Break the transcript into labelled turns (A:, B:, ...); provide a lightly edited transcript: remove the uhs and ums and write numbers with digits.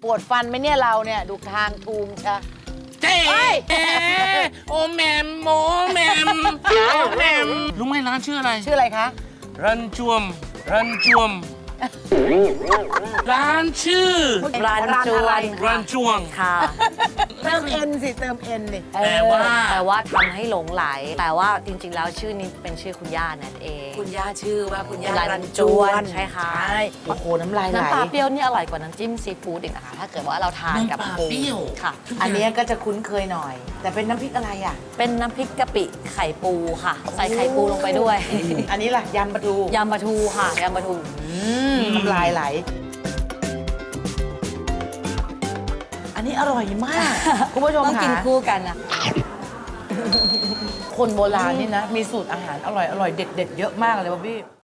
A: ปวดฟันไหมเนี่ยเราเนี่ยดูทางทูมชะ
B: เจ๊โอแมมโมแมมโอแมมรู้ไหมร้านชื่ออะไร
A: ชื่ออะไรคะ
B: รันจวม รันจวม ร้านชื่อ
C: ร้านจวน
B: รันจวง
C: ค่ะ
A: เติมเอ็นสิเติมเอ็นดิ
B: แต่ว่า
C: แต่ว่าทำให้หลงไหล แต่ว่าจริง ๆ แล้วชื่อนี้เป็นชื่อคุณย่านั่นเอง
D: คุณย่าชื่อว่าคุณย่า
C: รันจวนใช่ค่ะ
A: ใช่โอ้โหน้ำลายไหล
C: น้ำปลาเปรี้ยวนี่อร่อยกว่าน้ำจิ้มซีฟู้ดอีกนะคะ ถ้าเกิดว่าเราทานกับ
B: น้ำปลา
C: ปู
B: เปรี้ยว
C: ค่ะ
A: อันเนี้ยก็จะคุ้นเคยหน่อย แต่เป็นน้ำพริกอะไรอ่ะ
C: เป็นน้ำพริกกะปิไข่ปูค่ะ ใส่ไข่ปูลงไปด้วย
A: อันนี้ล่ะยำปลาทู
C: ยำปลาทูค่ะยำปลาทู
A: น้ำลายไหล อันนี้อร่อยมาก คุณผู้ชม
C: ต้องกิน
A: ค่ะ
C: คู่กันนะ
A: คนโบราณนี่นะ มีสูตรอาหารอร่อยเด็ด ๆ เยอะมากเลยว่ะพี่